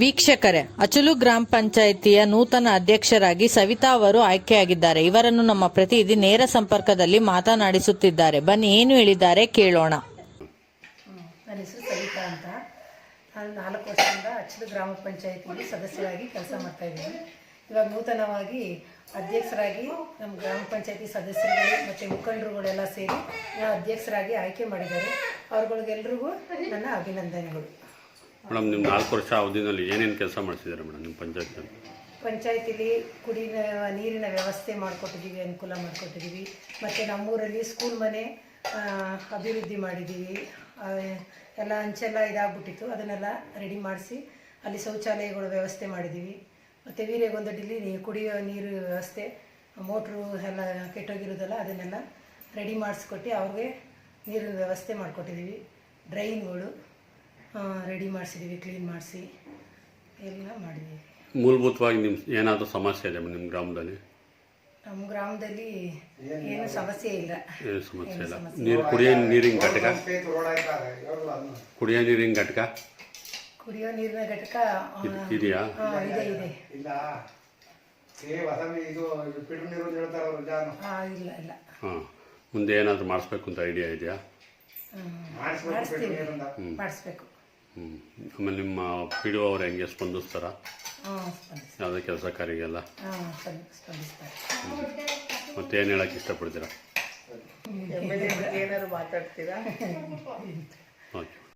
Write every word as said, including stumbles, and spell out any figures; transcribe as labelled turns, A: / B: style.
A: ವೀಕ್ಷಕರೇ, ಅಚಲು ಗ್ರಾಮ ಪಂಚಾಯಿತಿಯ ನೂತನ ಅಧ್ಯಕ್ಷರಾಗಿ ಸವಿತಾ ಅವರು ಆಯ್ಕೆಯಾಗಿದ್ದಾರೆ. ಇವರನ್ನು ನಮ್ಮ ಪ್ರತಿನಿಧಿ ನೇರ ಸಂಪರ್ಕದಲ್ಲಿ ಮಾತನಾಡಿಸುತ್ತಿದ್ದಾರೆ. ಬನ್ನಿ, ಏನು ಹೇಳಿದ್ದಾರೆ ಕೇಳೋಣ.
B: ನನ್ನ ಹೆಸರು ಸವಿತಾ ಅಂತ. ನಾನು ನಾಲ್ಕು ವರ್ಷದಿಂದ ಅಚಲು ಗ್ರಾಮ ಪಂಚಾಯಿತಿಯಲ್ಲಿ ಸದಸ್ಯರಾಗಿ ಕೆಲಸ ಮಾಡ್ತಾ ಇದ್ದೀನಿ. ಇವಾಗ ನೂತನವಾಗಿ ಅಧ್ಯಕ್ಷರಾಗಿ ನಮ್ಮ ಗ್ರಾಮ ಪಂಚಾಯಿತಿ ಸದಸ್ಯರುಗಳು ಮತ್ತು ಮುಖಂಡರುಗಳೆಲ್ಲ ಸೇರಿ ಅಧ್ಯಕ್ಷರಾಗಿ ಆಯ್ಕೆ ಮಾಡಿದ್ದಾರೆ. ಅವ್ರುಗಳಿಗೆಲ್ರಿಗೂ ನನ್ನ ಅಭಿನಂದನೆಗಳು.
C: ಮೇಡಮ್, ನಿಮ್ಮ ನಾಲ್ಕು ವರ್ಷ ಅವಧಿನಲ್ಲಿ ಏನೇನು ಕೆಲಸ ಮಾಡಿಸಿದ್ದಾರೆ ಮೇಡಮ್ ನಿಮ್ಮ ಪಂಚಾಯತ್ನಲ್ಲಿ?
B: ಪಂಚಾಯತಿಲಿ ಕುಡಿಯ ನೀರಿನ ವ್ಯವಸ್ಥೆ ಮಾಡಿಕೊಟ್ಟಿದ್ದೀವಿ, ಅನುಕೂಲ ಮಾಡಿಕೊಟ್ಟಿದ್ದೀವಿ. ಮತ್ತು ನಮ್ಮೂರಲ್ಲಿ ಸ್ಕೂಲ್ ಮನೆ ಅಭಿವೃದ್ಧಿ ಮಾಡಿದ್ದೀವಿ. ಎಲ್ಲ ಅಂಚೆಲ್ಲ ಇದಾಗ್ಬಿಟ್ಟಿತ್ತು, ಅದನ್ನೆಲ್ಲ ರೆಡಿ ಮಾಡಿಸಿ ಅಲ್ಲಿ ಶೌಚಾಲಯಗಳ ವ್ಯವಸ್ಥೆ ಮಾಡಿದ್ದೀವಿ. ಮತ್ತು ವೀರ್ಯಗೊಂದಡಿಲಿ ನೀ ಕುಡಿಯೋ ನೀರು ವ್ಯವಸ್ಥೆ, ಮೋಟ್ರು ಎಲ್ಲ ಕೆಟ್ಟೋಗಿರೋದಲ್ಲ ಅದನ್ನೆಲ್ಲ ರೆಡಿ ಮಾಡಿಸ್ಕೊಟ್ಟು ಅವ್ರಿಗೆ ನೀರಿನ ವ್ಯವಸ್ಥೆ ಮಾಡಿಕೊಟ್ಟಿದ್ದೀವಿ. ಡ್ರೈನ್ಗಳು ರೆಡಿ ಮಾಡಿಸಿದ್ದೀವಿ, ಕ್ಲೀನ್ ಮಾಡಿಸಿ ಎಲ್ಲ ಮಾಡಿದ್ದೀವಿ.
C: ಮೂಲಭೂತವಾಗಿ ನಿಮ್ಮ ಏನಾದರೂ ಸಮಸ್ಯೆ ಇದೆ ನಿಮ್ಮ ಗ್ರಾಮದಲ್ಲಿ?
B: ನಮ್ಮ ಗ್ರಾಮದಲ್ಲಿ ಏನು ಸಮಸ್ಯೆ ಇಲ್ಲ.
C: ಏನು ಸಮಸ್ಯೆ ಇಲ್ಲ. ನೀರು ಕುಡಿಯೋ ನೀರಿನ ಘಟಕ ಕುಡಿಯೋ ನೀರಿನ ಘಟಕ
B: ಕುಡಿಯೋ ನೀರಿನ ಘಟಕ
C: ಇದೆಯಾ?
B: ಇದೆ ಇದೆ ಇಲ್ಲ ಇಲ್ಲ.
C: ಹಾಂ, ಮುಂದೆ ಏನಾದರೂ ಮಾಡಿಸ್ಬೇಕು ಅಂತ ಐಡಿಯಾ ಇದೆಯಾ?
B: ಮಾಡಿಸ್ತೀವಿ, ಮಾಡಿಸ್ಬೇಕು.
C: ಹ್ಞೂ ಆಮೇಲೆ ನಿಮ್ಮ ಪಿ ಡಿ ಒ ಅವ್ರು ಹೆಂಗೆ ಸ್ಪಂದಿಸ್ತಾರ ಯಾವುದೇ ಕೆಲಸ ಕಾರ್ಯಗೆಲ್ಲ?
B: ಸ್ಪಂದಿಸ್ತಾರೆ.
C: ಮತ್ತೆ ಏನು ಹೇಳಕ್ಕೆ ಇಷ್ಟಪಡ್ತೀರಾ?
B: ಏನಾದ್ರು ಮಾತಾಡ್ತೀರಾ?
C: ಓಕೆ.